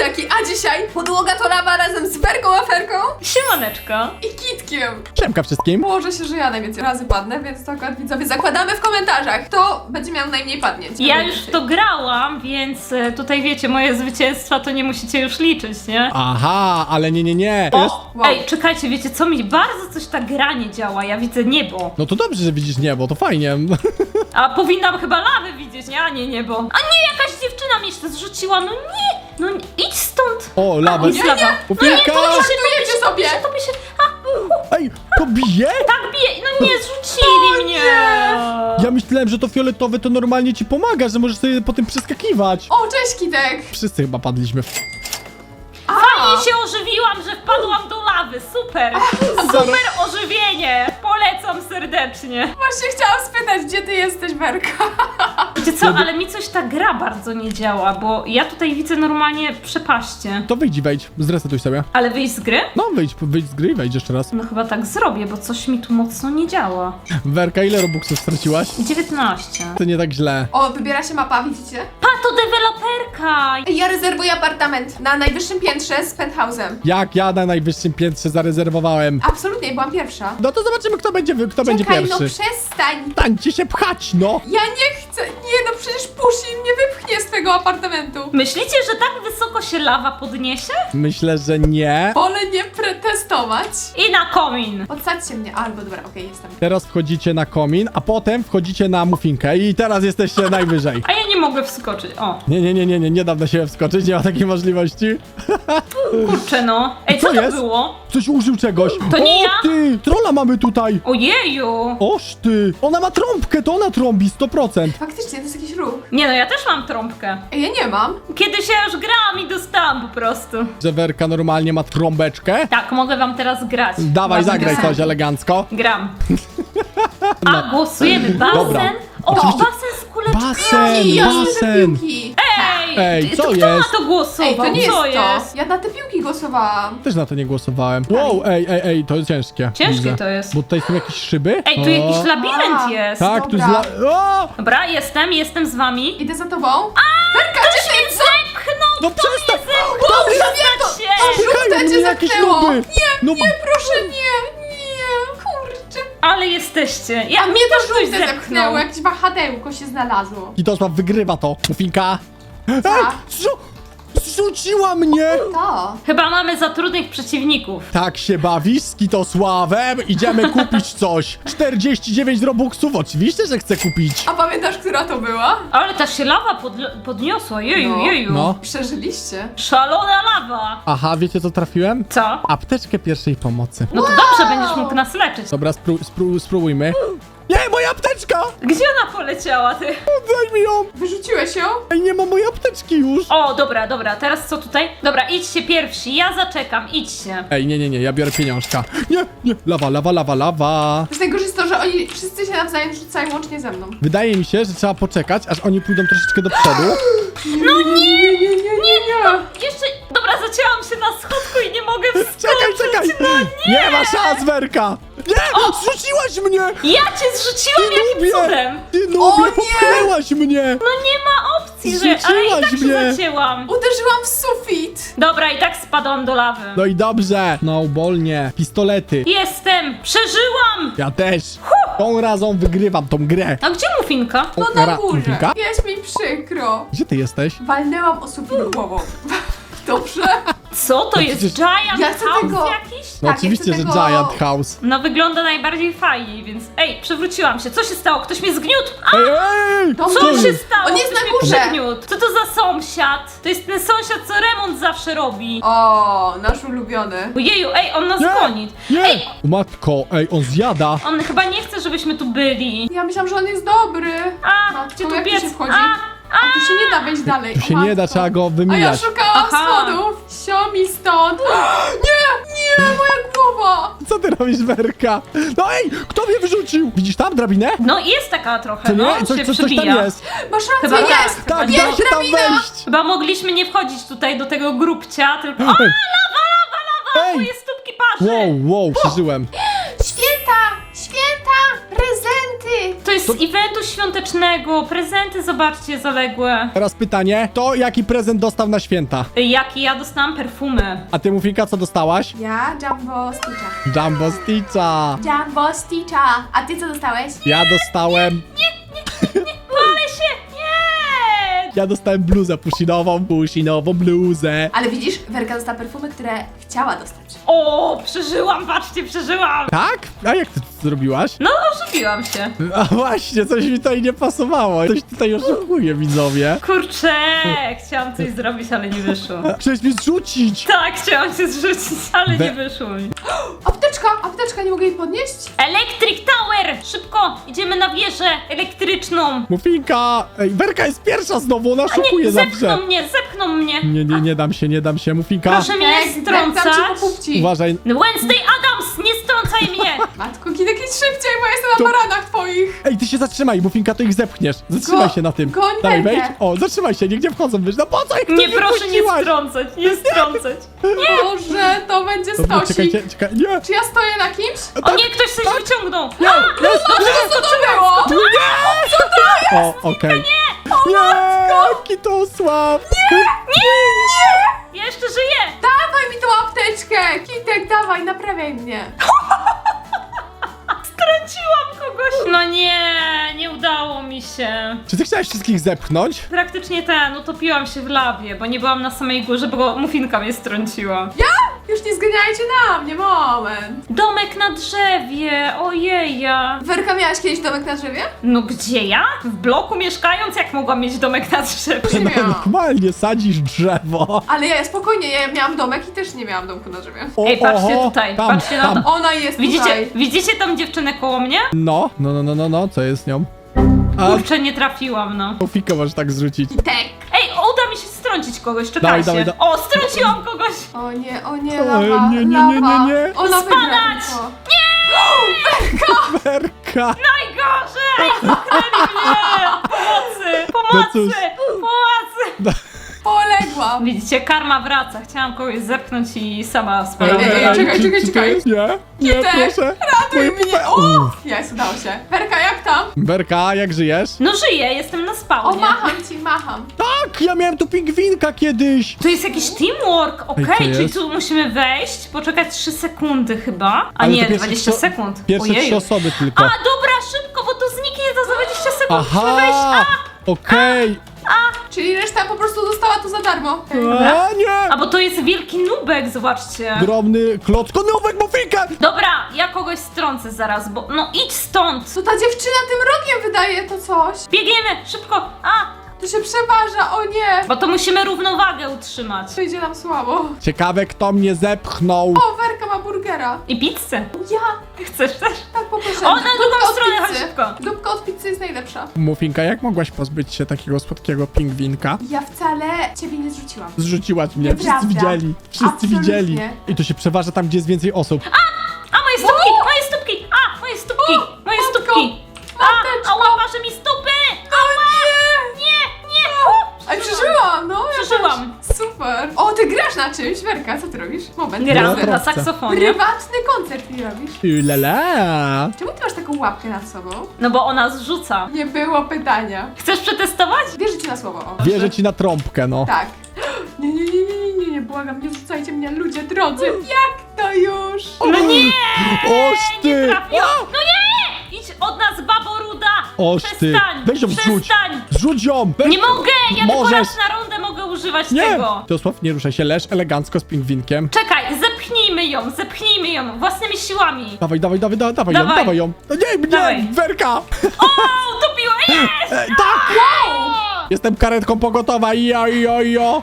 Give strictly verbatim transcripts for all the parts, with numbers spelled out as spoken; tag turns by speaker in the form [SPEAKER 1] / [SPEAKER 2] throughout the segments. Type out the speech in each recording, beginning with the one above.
[SPEAKER 1] Werki, a dzisiaj podłoga to lawa razem z Werką Aferką
[SPEAKER 2] Siemaneczko.
[SPEAKER 1] i Kitkiem.
[SPEAKER 3] Siemka wszystkim.
[SPEAKER 1] Położę się, że ja najwięcej razy padnę, więc to akurat widzowie zakładamy w komentarzach, kto będzie miał najmniej padnięć.
[SPEAKER 2] Ja już w to grałam, więc e, tutaj wiecie, moje zwycięstwa to nie musicie już liczyć, nie?
[SPEAKER 3] Aha, ale nie, nie, nie. Jest...
[SPEAKER 2] O,
[SPEAKER 1] Wow.
[SPEAKER 2] ej, czekajcie, wiecie co, mi bardzo coś ta gra nie działa, ja widzę niebo.
[SPEAKER 3] No to dobrze, że widzisz niebo, to fajnie.
[SPEAKER 2] A powinnam chyba lawę widzieć, nie? A nie niebo. A nie, jakaś dziewczyna mi się zrzuciła, no nie, no nie, idź stąd.
[SPEAKER 3] O, lawa.
[SPEAKER 2] Jest lawa. No nie,
[SPEAKER 3] Pupilka!
[SPEAKER 2] to mi się, to mi
[SPEAKER 1] Żartujecie
[SPEAKER 2] się, to mi
[SPEAKER 1] sobie.
[SPEAKER 2] się, to mi się, a,
[SPEAKER 3] Ej, to bije?
[SPEAKER 2] tak bije, no nie, zrzucili mnie.
[SPEAKER 3] Ja myślałem, że to fioletowe to normalnie ci pomaga, że możesz sobie po tym przeskakiwać.
[SPEAKER 1] O, cześć Kitek!
[SPEAKER 3] Wszyscy chyba padliśmy.
[SPEAKER 2] Fajnie się ożywiłam, że wpadłam do lawy, super. Super ożywienie, polecam serdecznie.
[SPEAKER 1] Właśnie chciałam spytać, gdzie ty jesteś, Werka?
[SPEAKER 2] Wiecie co, ale mi coś ta gra bardzo nie działa, bo ja tutaj widzę normalnie przepaście.
[SPEAKER 3] To wyjdź i wejdź, zresetuj sobie.
[SPEAKER 2] Ale wyjść z gry?
[SPEAKER 3] No wyjdź, wyjdź z gry i wejdź jeszcze raz.
[SPEAKER 2] No chyba tak zrobię, bo coś mi tu mocno nie działa.
[SPEAKER 3] Werka, ile robuxów straciłaś?
[SPEAKER 2] dziewiętnaście.
[SPEAKER 3] To nie tak źle.
[SPEAKER 1] O, wybiera się mapa, widzicie?
[SPEAKER 2] Pa, to deweloperka!
[SPEAKER 1] Ej, ja rezerwuję apartament na najwyższym piętrze z penthouse'em.
[SPEAKER 3] Jak ja na najwyższym piętrze zarezerwowałem.
[SPEAKER 1] Absolutnie, byłam pierwsza.
[SPEAKER 3] No to zobaczymy, kto będzie, kto będzie
[SPEAKER 1] Czekaj,
[SPEAKER 3] pierwszy.
[SPEAKER 1] no przestań!
[SPEAKER 3] Stańcie się pchać, no!
[SPEAKER 1] Ja nie chcę! Nie no, przecież Pusi mnie wypchnie z twojego apartamentu.
[SPEAKER 2] Myślicie, że tak wysoko się lawa podniesie?
[SPEAKER 3] Myślę, że nie.
[SPEAKER 1] Wolę nie pretestować.
[SPEAKER 2] I na komin!
[SPEAKER 1] Podsadźcie mnie. Albo dobra, okej, jestem.
[SPEAKER 3] Teraz wchodzicie na komin, a potem wchodzicie na muffinkę i teraz jesteście najwyżej.
[SPEAKER 2] A ja nie mogę wskoczyć, o.
[SPEAKER 3] Nie, nie, nie, nie, nie, nie dam na siebie wskoczyć, nie ma takiej możliwości.
[SPEAKER 2] Kurczę no. Ej, co,
[SPEAKER 3] Co
[SPEAKER 2] to
[SPEAKER 3] jest?
[SPEAKER 2] było?
[SPEAKER 3] Coś użył czegoś.
[SPEAKER 2] To nie
[SPEAKER 3] o,
[SPEAKER 2] ja?
[SPEAKER 3] ty! Trolla mamy tutaj!
[SPEAKER 2] Ojeju!
[SPEAKER 3] Oż ty! Ona ma trąbkę, to ona trąbi sto procent.
[SPEAKER 1] Faktycznie, to jest jakiś ruch.
[SPEAKER 2] Nie no, ja też mam trąbkę.
[SPEAKER 1] Ej, ja nie mam.
[SPEAKER 2] Kiedyś ja już grałam i dostałam po prostu.
[SPEAKER 3] Że Werka normalnie ma trąbeczkę.
[SPEAKER 2] Tak, mogę wam teraz grać.
[SPEAKER 3] Dawaj,
[SPEAKER 2] Ładnie
[SPEAKER 3] zagraj
[SPEAKER 2] piosenki.
[SPEAKER 3] coś elegancko.
[SPEAKER 2] Gram. A, głosujemy. Basen?
[SPEAKER 3] Dobra.
[SPEAKER 2] O,
[SPEAKER 3] Oczywiście-
[SPEAKER 2] basen z kuleczkami.
[SPEAKER 3] Basen,
[SPEAKER 1] I ja chcę te
[SPEAKER 3] basen.
[SPEAKER 1] piłki.
[SPEAKER 2] Ej,
[SPEAKER 3] Ej,
[SPEAKER 2] ty-
[SPEAKER 3] co
[SPEAKER 2] to kto
[SPEAKER 3] jest?
[SPEAKER 2] na to głosował?
[SPEAKER 1] Ej, to nie jest
[SPEAKER 2] co
[SPEAKER 1] to.
[SPEAKER 2] jest?
[SPEAKER 1] Ja na te piłki głosowałam.
[SPEAKER 3] Też na to nie głosowałem. Wow, ej, ej, ej, to jest ciężkie.
[SPEAKER 2] Ciężkie
[SPEAKER 3] Widzę.
[SPEAKER 2] to jest.
[SPEAKER 3] Bo tutaj są jakieś szyby.
[SPEAKER 2] Ej, tu
[SPEAKER 3] O.
[SPEAKER 2] jakiś labirynt
[SPEAKER 1] A,
[SPEAKER 2] jest.
[SPEAKER 3] Tak, tu
[SPEAKER 1] Dobra.
[SPEAKER 3] jest la... O!
[SPEAKER 2] Dobra, jestem, jestem z wami.
[SPEAKER 1] Idę za tobą. Werka, gdzie ty jest?
[SPEAKER 2] Zepchnął!
[SPEAKER 3] No przestań!
[SPEAKER 1] Boże, wiem to!
[SPEAKER 2] się!
[SPEAKER 3] Pchają
[SPEAKER 1] cię
[SPEAKER 3] mnie jakieś
[SPEAKER 1] zepchnęło.
[SPEAKER 3] nuby!
[SPEAKER 1] Nie,
[SPEAKER 3] no,
[SPEAKER 1] nie, proszę, nie, nie, kurczę.
[SPEAKER 2] Ale jesteście. Ja
[SPEAKER 1] A mnie
[SPEAKER 2] też
[SPEAKER 1] to
[SPEAKER 2] ktoś
[SPEAKER 1] żółte
[SPEAKER 2] zepchnął.
[SPEAKER 1] zepchnęło, jakieś wahadełko się znalazło.
[SPEAKER 3] Kitosław wygrywa to. Muffinka. Ej,
[SPEAKER 1] Tak.
[SPEAKER 3] zrzu... zrzuciła mnie!
[SPEAKER 1] To.
[SPEAKER 2] Chyba mamy za trudnych przeciwników.
[SPEAKER 3] Tak się bawisz z Kitosławem? Idziemy kupić coś. czterdzieści dziewięć robuxów, oczywiście, że chcę kupić.
[SPEAKER 1] A pamiętasz, która to była?
[SPEAKER 2] Ale ta się lawa podl- podniosła, jeju,
[SPEAKER 1] No.
[SPEAKER 2] jeju.
[SPEAKER 3] No.
[SPEAKER 1] Przeżyliście.
[SPEAKER 2] Szalona lawa.
[SPEAKER 3] Aha, wiecie co trafiłem?
[SPEAKER 2] Co?
[SPEAKER 3] Apteczkę pierwszej pomocy.
[SPEAKER 2] No to dobrze, będziesz mógł nas leczyć.
[SPEAKER 3] Dobra, spró spró spróbujmy. Nie, moja apteczka!
[SPEAKER 2] Gdzie ona poleciała, ty?
[SPEAKER 3] Daj mi ją!
[SPEAKER 1] Wyrzuciłeś ją?
[SPEAKER 3] Ej, nie ma mojej apteczki już!
[SPEAKER 2] O, dobra, dobra, teraz co tutaj? Dobra, idźcie pierwsi, ja zaczekam, idźcie.
[SPEAKER 3] Ej, nie, nie, nie, ja biorę pieniążka. Nie, nie, lawa, lawa, lawa, lawa.
[SPEAKER 1] To jest najgorsze jest to, że oni wszyscy się nawzajem rzucają łącznie ze mną.
[SPEAKER 3] Wydaje mi się, że trzeba poczekać, aż oni pójdą troszeczkę do przodu.
[SPEAKER 2] No nie,
[SPEAKER 1] Nie, nie, nie, nie, nie.
[SPEAKER 2] jeszcze, dobra, zacięłam się na schodku i nie mogę wskoczyć.
[SPEAKER 3] Czekaj, czekaj!
[SPEAKER 2] No nie.
[SPEAKER 3] Nie ma szans, Werka! Nie! Zrzuciłaś mnie!
[SPEAKER 2] Ja cię zrzuciłam jakim
[SPEAKER 3] Nubie!
[SPEAKER 2] cudem?
[SPEAKER 3] Ty
[SPEAKER 1] O
[SPEAKER 3] nubie,
[SPEAKER 1] nie!
[SPEAKER 3] popchnęłaś mnie!
[SPEAKER 2] No nie ma opcji, że... Ale i tak
[SPEAKER 3] Zrzuciłaś
[SPEAKER 2] się
[SPEAKER 3] mnie.
[SPEAKER 2] zacięłam.
[SPEAKER 1] Uderzyłam w sufit.
[SPEAKER 2] Dobra, i tak spadłam do lawy.
[SPEAKER 3] No i dobrze. No, bolnie. Pistolety.
[SPEAKER 2] Jestem! Przeżyłam!
[SPEAKER 3] Ja też. Tą razą wygrywam tą grę.
[SPEAKER 2] A gdzie muffinka?
[SPEAKER 1] No
[SPEAKER 3] Ra-
[SPEAKER 1] na górze.
[SPEAKER 3] Muffinka?
[SPEAKER 1] Jest mi przykro.
[SPEAKER 3] Gdzie ty jesteś?
[SPEAKER 1] Walnęłam o sufit głową. Dobrze?
[SPEAKER 2] Co to jest?
[SPEAKER 3] przecież-
[SPEAKER 2] Giant
[SPEAKER 1] Ja chcę
[SPEAKER 2] House
[SPEAKER 1] tego-
[SPEAKER 2] jakiś?
[SPEAKER 3] No
[SPEAKER 1] Tak,
[SPEAKER 3] oczywiście,
[SPEAKER 1] ja
[SPEAKER 3] że
[SPEAKER 1] chcę tego-
[SPEAKER 3] Giant House.
[SPEAKER 2] No wygląda najbardziej fajniej, więc... Ej, przewróciłam się. Co się stało? Ktoś mnie zgniótł? A,
[SPEAKER 3] Ej, ej, ej!
[SPEAKER 1] To
[SPEAKER 2] co
[SPEAKER 1] jest?
[SPEAKER 2] się stało?
[SPEAKER 1] On jest
[SPEAKER 2] Ktoś
[SPEAKER 1] na
[SPEAKER 2] mnie
[SPEAKER 1] górze.
[SPEAKER 2] przegniótł. Co to za sąsiad? To jest ten sąsiad, co remont zawsze robi.
[SPEAKER 1] O, nasz ulubiony.
[SPEAKER 2] Ojeju, ej, on nas
[SPEAKER 3] Nie!
[SPEAKER 2] goni.
[SPEAKER 3] Nie!
[SPEAKER 2] Ej,
[SPEAKER 3] O matko, ej, on zjada.
[SPEAKER 2] on chyba nie chce, żebyśmy tu byli.
[SPEAKER 1] Ja myślałam, że on jest dobry.
[SPEAKER 2] A,
[SPEAKER 1] Matko,
[SPEAKER 2] gdzie tu
[SPEAKER 1] jak tu
[SPEAKER 2] biec?
[SPEAKER 1] się wchodzi?
[SPEAKER 2] A,
[SPEAKER 1] A tu się nie da wejść dalej.
[SPEAKER 3] Tu
[SPEAKER 1] o
[SPEAKER 3] się nie da,
[SPEAKER 1] matko.
[SPEAKER 3] trzeba go
[SPEAKER 1] A ja
[SPEAKER 3] wymijać.
[SPEAKER 1] szukałam
[SPEAKER 2] Aha.
[SPEAKER 1] schodów. Sio mi stąd. Nie, nie, moja głowa.
[SPEAKER 3] Co ty robisz, Werka? No ej, kto mnie wyrzucił? Widzisz tam drabinę?
[SPEAKER 2] no jest taka trochę,
[SPEAKER 3] To nie?
[SPEAKER 2] no,
[SPEAKER 3] Coś,
[SPEAKER 2] się
[SPEAKER 3] coś, coś tam
[SPEAKER 2] przebija.
[SPEAKER 3] jest.
[SPEAKER 1] Masz
[SPEAKER 2] Chyba
[SPEAKER 1] rację,
[SPEAKER 2] tak.
[SPEAKER 1] jest.
[SPEAKER 3] Tak,
[SPEAKER 1] jest
[SPEAKER 3] da się tam
[SPEAKER 1] drabina.
[SPEAKER 3] wejść.
[SPEAKER 2] Chyba mogliśmy nie wchodzić tutaj do tego grubcia, tylko... O,
[SPEAKER 3] Ej,
[SPEAKER 2] lawa, moje stópki parzy!
[SPEAKER 3] wow, wow, przeżyłem.
[SPEAKER 1] Święta, święta, prezenty.
[SPEAKER 2] To jest
[SPEAKER 3] To-
[SPEAKER 2] z eventu świątecznego, prezenty zobaczcie zaległe.
[SPEAKER 3] Teraz pytanie, to jaki prezent dostał na święta?
[SPEAKER 2] Jaki ja dostałam perfumy.
[SPEAKER 3] A ty, Mufinka, co dostałaś?
[SPEAKER 1] Ja Jumbo Stitcha.
[SPEAKER 3] Jumbo Stitcha.
[SPEAKER 1] Jumbo Stitcha. A ty co dostałeś?
[SPEAKER 3] Ja dostałem...
[SPEAKER 2] Ale się, nie!
[SPEAKER 3] Ja dostałem bluzę pusinową, pusinową bluzę.
[SPEAKER 1] Ale widzisz, Werka dostała perfumy, które chciała dostać.
[SPEAKER 2] O, przeżyłam, patrzcie, przeżyłam.
[SPEAKER 3] Tak? A jak ty to zrobiłaś?
[SPEAKER 2] No, ożywiłam się.
[SPEAKER 3] A właśnie, coś mi tutaj nie pasowało. Coś tutaj oszukuje, widzowie.
[SPEAKER 2] Kurczę, chciałam coś zrobić, ale nie wyszło.
[SPEAKER 3] Chciałeś mnie zrzucić.
[SPEAKER 2] Tak, chciałam się zrzucić, ale
[SPEAKER 3] We-
[SPEAKER 2] nie wyszło mi.
[SPEAKER 1] Apteczka, apteczka, nie mogę jej podnieść?
[SPEAKER 2] Electric Tower! Szybko, idziemy na wieżę elektryczną.
[SPEAKER 3] Mufinka! Ej, Werka jest pierwsza znowu, ona szukuje
[SPEAKER 2] Nie,
[SPEAKER 3] zawsze.
[SPEAKER 2] zepchną mnie, zepchną mnie.
[SPEAKER 3] Nie, nie, nie dam się, nie dam się, Mufinka.
[SPEAKER 2] Proszę mnie nie
[SPEAKER 1] Ej, dam ci
[SPEAKER 2] strącać.
[SPEAKER 1] po pupci.
[SPEAKER 3] Uważaj.
[SPEAKER 2] Wednesday Adams, nie strącaj mnie.
[SPEAKER 1] Matko, kiedy jakieś szybciej, bo ja jestem na
[SPEAKER 3] To-
[SPEAKER 1] baranach twoich.
[SPEAKER 3] Ej, ty się zatrzymaj, Mufinka, to ich zepchniesz. Zatrzymaj
[SPEAKER 1] Go-
[SPEAKER 3] się na tym.
[SPEAKER 1] goń
[SPEAKER 3] Dawaj,
[SPEAKER 1] Werkę.
[SPEAKER 3] wejdź. O, zatrzymaj się, niech nie wchodzą, wiesz. No po co ich tu
[SPEAKER 2] Nie, proszę nie
[SPEAKER 3] puściłaś?
[SPEAKER 2] strącać, nie strącać.
[SPEAKER 1] Boże, to będzie
[SPEAKER 3] Dobra,
[SPEAKER 1] stosik.
[SPEAKER 3] czekajcie, czekaj, nie.
[SPEAKER 1] Czy ja stoję na kimś?
[SPEAKER 2] O nie, ktoś coś wyciągnął.
[SPEAKER 3] Nie, jest,
[SPEAKER 1] Co to było?
[SPEAKER 3] O, okej. Nie, jaki to słab.
[SPEAKER 2] Ja jeszcze żyję.
[SPEAKER 1] Dawaj mi tą apteczkę! Kitek, dawaj, naprawiaj mnie.
[SPEAKER 2] Strąciłam kogoś. No nie, nie udało mi się.
[SPEAKER 3] Czy ty chciałeś wszystkich zepchnąć?
[SPEAKER 2] Praktycznie ten, utopiłam się w lawie, bo nie byłam na samej górze, bo mufinka mnie strąciła.
[SPEAKER 1] Ja? Już nie zganiajcie na mnie, moment.
[SPEAKER 2] Domek na drzewie, ojeja.
[SPEAKER 1] Werka, miałaś kiedyś domek na drzewie?
[SPEAKER 2] No gdzie ja? W bloku mieszkając, jak mogłam mieć domek na drzewie?
[SPEAKER 1] Nie
[SPEAKER 3] No
[SPEAKER 1] miałam.
[SPEAKER 3] normalnie, sadzisz drzewo.
[SPEAKER 1] Ale ja spokojnie, ja miałam domek i też nie miałam domku na drzewie.
[SPEAKER 3] O,
[SPEAKER 2] Ej, patrzcie
[SPEAKER 3] oho,
[SPEAKER 2] tutaj,
[SPEAKER 3] tam,
[SPEAKER 2] patrzcie na
[SPEAKER 3] tam.
[SPEAKER 2] to.
[SPEAKER 1] Ona jest
[SPEAKER 2] Widzicie,
[SPEAKER 1] tutaj.
[SPEAKER 2] widzicie tą dziewczynę koło mnie?
[SPEAKER 3] No, no, no, no, no, no, co jest z nią? A,
[SPEAKER 2] Kurczę, nie trafiłam, no.
[SPEAKER 3] Mufinkę możesz tak zrzucić.
[SPEAKER 1] Kitek.
[SPEAKER 2] Ej, uda mi się strącić kogoś, czekajcie.
[SPEAKER 3] Dawaj, dawaj,
[SPEAKER 2] O, strąciłam kogoś!
[SPEAKER 1] O nie, o nie,
[SPEAKER 3] O,
[SPEAKER 1] lawa,
[SPEAKER 3] nie, nie, nie,
[SPEAKER 1] lawa.
[SPEAKER 3] nie, nie.
[SPEAKER 1] Ona wygra
[SPEAKER 2] Spadać!
[SPEAKER 1] tylko.
[SPEAKER 3] Werka!
[SPEAKER 2] Najgorzej! Zamknęli mnie! Pomocy!
[SPEAKER 3] No cóż.
[SPEAKER 2] Pomocy! Pomocy!
[SPEAKER 1] Poległam.
[SPEAKER 2] Widzicie, karma wraca. Chciałam kogoś zepchnąć i sama
[SPEAKER 1] Ej,
[SPEAKER 2] spadłam.
[SPEAKER 1] ej, ej, czekaj,
[SPEAKER 3] czy-
[SPEAKER 1] czekaj,
[SPEAKER 3] czy to
[SPEAKER 1] czekaj.
[SPEAKER 3] jest? Nie, nie,
[SPEAKER 1] Kitek,
[SPEAKER 3] proszę.
[SPEAKER 1] Ratuj
[SPEAKER 3] Moje
[SPEAKER 1] mnie!
[SPEAKER 3] pupe-
[SPEAKER 1] Uff, jest, udało się. Werka, jak tam?
[SPEAKER 3] Werka, jak żyjesz?
[SPEAKER 2] No żyję, jestem na
[SPEAKER 1] O,
[SPEAKER 2] spawnie.
[SPEAKER 1] macham ci, macham.
[SPEAKER 3] Tak, ja miałem tu pingwinka kiedyś.
[SPEAKER 2] To jest jakiś teamwork, okej,
[SPEAKER 3] Ej, co
[SPEAKER 2] czyli
[SPEAKER 3] jest?
[SPEAKER 2] tu musimy wejść, poczekać trzy sekundy chyba, a
[SPEAKER 3] Ale to
[SPEAKER 2] nie,
[SPEAKER 3] pierwsze
[SPEAKER 2] dwadzieścia
[SPEAKER 3] trzy-
[SPEAKER 2] sekund.
[SPEAKER 3] Pierwsze
[SPEAKER 2] Ojej.
[SPEAKER 3] trzy osoby tylko.
[SPEAKER 2] A, dobra, szybko, bo to zniknie za dwadzieścia sekund, musimy wejść.
[SPEAKER 3] Aha,
[SPEAKER 2] A,
[SPEAKER 3] okej.
[SPEAKER 1] Czyli reszta po prostu dostała to za darmo.
[SPEAKER 3] A, nie.
[SPEAKER 2] a bo to jest wielki nubek, zobaczcie.
[SPEAKER 3] Drobny klocko, nowek Mufinka.
[SPEAKER 2] Dobra, ja kogoś strącę zaraz, bo no idź stąd.
[SPEAKER 1] Co ta dziewczyna tym rogiem wydaje to coś?
[SPEAKER 2] Biegniemy, szybko, a,
[SPEAKER 1] To się przeważa, o nie.
[SPEAKER 2] bo to musimy równowagę utrzymać.
[SPEAKER 1] To idzie nam słabo.
[SPEAKER 3] Ciekawe, kto mnie zepchnął.
[SPEAKER 1] O, Werka ma burgera.
[SPEAKER 2] I pizzę.
[SPEAKER 1] Ja,
[SPEAKER 2] Chcesz też?
[SPEAKER 1] tak poproszę.
[SPEAKER 2] O, na drugą
[SPEAKER 1] Dupka od
[SPEAKER 2] stronę, chodź
[SPEAKER 1] pizzy.
[SPEAKER 2] szybko.
[SPEAKER 1] Dupka od pizzy jest najlepsza.
[SPEAKER 3] Mufinka, jak mogłaś pozbyć się takiego słodkiego pingwinka?
[SPEAKER 1] Ja wcale ciebie nie zrzuciłam.
[SPEAKER 3] Zrzuciłaś mnie, wszyscy
[SPEAKER 1] Nieprawda.
[SPEAKER 3] widzieli. Wszyscy
[SPEAKER 1] Absolutnie.
[SPEAKER 3] widzieli. I to się przeważa tam, gdzie jest więcej osób.
[SPEAKER 2] A, moje stópki, moje stópki, a, moje stópki, moje
[SPEAKER 1] matko,
[SPEAKER 2] stópki. A,
[SPEAKER 1] mateczko.
[SPEAKER 2] a łapa, mi stopy.
[SPEAKER 1] O nie!
[SPEAKER 2] Nie, nie. O,
[SPEAKER 1] Ej, przeżyłam, no. ja
[SPEAKER 2] Przeżyłam.
[SPEAKER 1] też. Super. O, ty grasz na czymś, Werka, co ty robisz? Moment.
[SPEAKER 3] Ja
[SPEAKER 2] Gram
[SPEAKER 1] Moment.
[SPEAKER 2] na
[SPEAKER 3] trącę.
[SPEAKER 2] saksofonie.
[SPEAKER 1] Prywatny koncert mi robisz.
[SPEAKER 3] Ulala.
[SPEAKER 1] Czemu ty masz taką łapkę nad sobą?
[SPEAKER 2] No bo ona zrzuca.
[SPEAKER 1] Nie było pytania.
[SPEAKER 2] Chcesz przetestować?
[SPEAKER 1] Wierzę ci na słowo. O.
[SPEAKER 3] Wierzę ci na trąbkę, no.
[SPEAKER 1] Tak. Nie, nie, nie, nie, nie, nie, błagam, nie zrzucajcie mnie, ludzie drodzy. Jak to już?
[SPEAKER 2] No nie,
[SPEAKER 3] Oż ty!
[SPEAKER 2] trafiłam. No nie, idź od nas, babo ruda.
[SPEAKER 3] Oż ty!
[SPEAKER 2] Przestań,
[SPEAKER 3] Weź ją wrzuć!
[SPEAKER 2] przestań.
[SPEAKER 3] Zrzuć ją! Weź-
[SPEAKER 2] Nie mogę, ja tylko
[SPEAKER 3] Możesz.
[SPEAKER 2] raz na rundę mogę używać
[SPEAKER 3] Nie!
[SPEAKER 2] tego.
[SPEAKER 3] Teosław, nie ruszaj się, leż elegancko z pingwinkiem.
[SPEAKER 2] Czekaj, zepchnijmy ją, zepchnijmy ją własnymi siłami.
[SPEAKER 3] Dawaj, dawaj, dawaj, dawaj, dawaj ją,
[SPEAKER 2] Dawaj.
[SPEAKER 3] dawaj ją. No nie, nie,
[SPEAKER 2] Dawaj.
[SPEAKER 3] Werka!
[SPEAKER 2] O, utopiła, jest!
[SPEAKER 3] Ej, tak! Jestem karetką pogotowa, jo, jo, jo.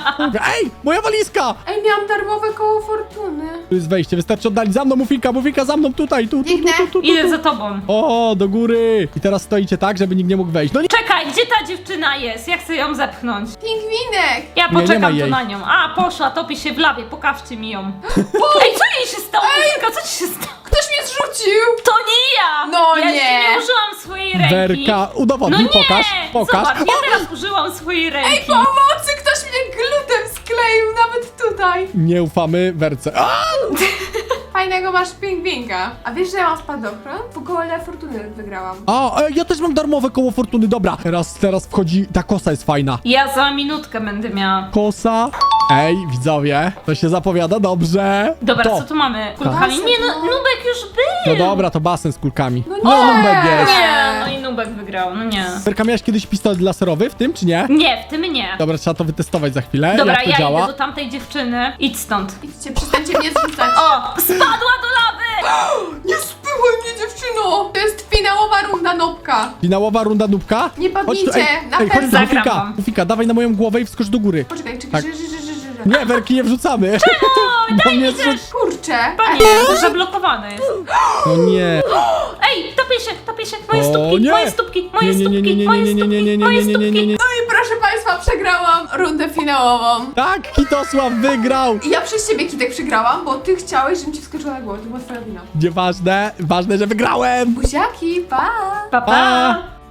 [SPEAKER 3] Ej, moja walizka!
[SPEAKER 1] Ej, miałam darmowe koło fortuny.
[SPEAKER 3] Tu jest wejście, wystarczy oddalić. Za mną, Mufinka, Mufinka, za mną, tutaj, tu, tu, tu,
[SPEAKER 1] Biegnę.
[SPEAKER 3] tu, tu, tu.
[SPEAKER 2] Idę za tobą.
[SPEAKER 3] O, do góry. I teraz stoicie tak, żeby nikt nie mógł wejść. No nie!
[SPEAKER 2] Czekaj, gdzie ta dziewczyna jest? Ja chcę ją zepchnąć.
[SPEAKER 1] Pingwinek.
[SPEAKER 2] Ja
[SPEAKER 3] Nie, nie ma
[SPEAKER 2] poczekam tu
[SPEAKER 3] jej.
[SPEAKER 2] na nią. A, poszła, topi się w lawie, pokażcie mi ją. Ej, co jej się stało? Mufinka, co ci się stało?
[SPEAKER 1] Ktoś mnie zrzucił.
[SPEAKER 2] To nie ja!
[SPEAKER 1] No
[SPEAKER 2] ja
[SPEAKER 1] nie.
[SPEAKER 2] jeszcze nie użyłam swojej ręki.
[SPEAKER 3] Werka,
[SPEAKER 2] No
[SPEAKER 3] udowodnij,
[SPEAKER 2] nie!
[SPEAKER 3] pokaż, pokaż.
[SPEAKER 2] Zobacz, ja teraz użyłam swojej ręki.
[SPEAKER 1] Ej, pomocy, ktoś mnie glutem skleił, nawet tutaj.
[SPEAKER 3] Nie ufamy Werce. A!
[SPEAKER 1] fajnego masz pingwinka. A wiesz, że ja mam spadochron? W kole fortuny wygrałam.
[SPEAKER 3] A, e, ja też mam darmowe koło fortuny, dobra. Teraz, teraz wchodzi, ta kosa jest fajna.
[SPEAKER 2] Ja za minutkę będę miała.
[SPEAKER 3] Kosa. Ej, widzowie, to się zapowiada dobrze.
[SPEAKER 2] Dobra,
[SPEAKER 3] to.
[SPEAKER 2] co tu mamy? Kulkami?
[SPEAKER 1] Basen,
[SPEAKER 2] Nie, no,
[SPEAKER 1] no.
[SPEAKER 2] Nubek już był!
[SPEAKER 3] No dobra, to basen z kulkami.
[SPEAKER 1] No
[SPEAKER 3] No,
[SPEAKER 1] nie.
[SPEAKER 3] Nubek jest.
[SPEAKER 2] Nie, no i Nubek wygrał, no nie.
[SPEAKER 3] Serka, miałeś kiedyś pistolet laserowy w tym, czy nie?
[SPEAKER 2] Nie, w tym nie.
[SPEAKER 3] Dobra, trzeba to wytestować za chwilę,
[SPEAKER 2] Dobra,
[SPEAKER 3] jak to
[SPEAKER 2] ja
[SPEAKER 3] działa.
[SPEAKER 2] idę do tamtej dziewczyny. Idź stąd.
[SPEAKER 1] Idźcie, przestańcie mnie zrzucać.
[SPEAKER 2] O, spadła do lawy!
[SPEAKER 1] Nie spychaj mnie, dziewczyno! To jest finałowa runda nopka.
[SPEAKER 3] Finałowa runda nubka?
[SPEAKER 1] Nie
[SPEAKER 3] Chodź tu,
[SPEAKER 1] padnijcie,
[SPEAKER 3] ej,
[SPEAKER 1] na
[SPEAKER 3] ej, chodź tu,
[SPEAKER 1] pewno.
[SPEAKER 2] Zagram
[SPEAKER 3] Mufika,
[SPEAKER 2] wam.
[SPEAKER 3] Mufika, dawaj na moją głowę i wskocz do góry.
[SPEAKER 1] Poczekaj, czekaj,
[SPEAKER 3] Tak.
[SPEAKER 1] że, że, że, że, że.
[SPEAKER 3] Nie, werki nie wrzucamy.
[SPEAKER 2] Oj,
[SPEAKER 3] Bo
[SPEAKER 2] daj
[SPEAKER 3] mnie
[SPEAKER 2] mi
[SPEAKER 3] zrzuc-
[SPEAKER 2] też!
[SPEAKER 1] Kurczę.
[SPEAKER 2] Panie, zablokowane jest.
[SPEAKER 3] No nie.
[SPEAKER 2] Ej, topię się, topię się. Moje
[SPEAKER 3] O,
[SPEAKER 2] stópki,
[SPEAKER 3] nie.
[SPEAKER 2] moje stópki, moje
[SPEAKER 3] Nie, nie, nie,
[SPEAKER 2] stópki,
[SPEAKER 3] nie,
[SPEAKER 2] moje
[SPEAKER 3] nie, nie, nie, nie,
[SPEAKER 2] stópki,
[SPEAKER 3] nie,
[SPEAKER 2] moje
[SPEAKER 3] nie, nie, nie, nie,
[SPEAKER 2] stópki.
[SPEAKER 3] nie.
[SPEAKER 1] No i proszę państwa, przegrałam rundę finałową.
[SPEAKER 3] Tak, Kitosław wygrał.
[SPEAKER 1] I ja przez ciebie, Kitek, przegrałam, bo ty chciałeś, żebym ci wskoczyła na głowę. To była twoja wina.
[SPEAKER 3] Nieważne, ważne, że wygrałem.
[SPEAKER 1] Buziaki, pa!
[SPEAKER 2] Pa, pa.
[SPEAKER 3] Pa.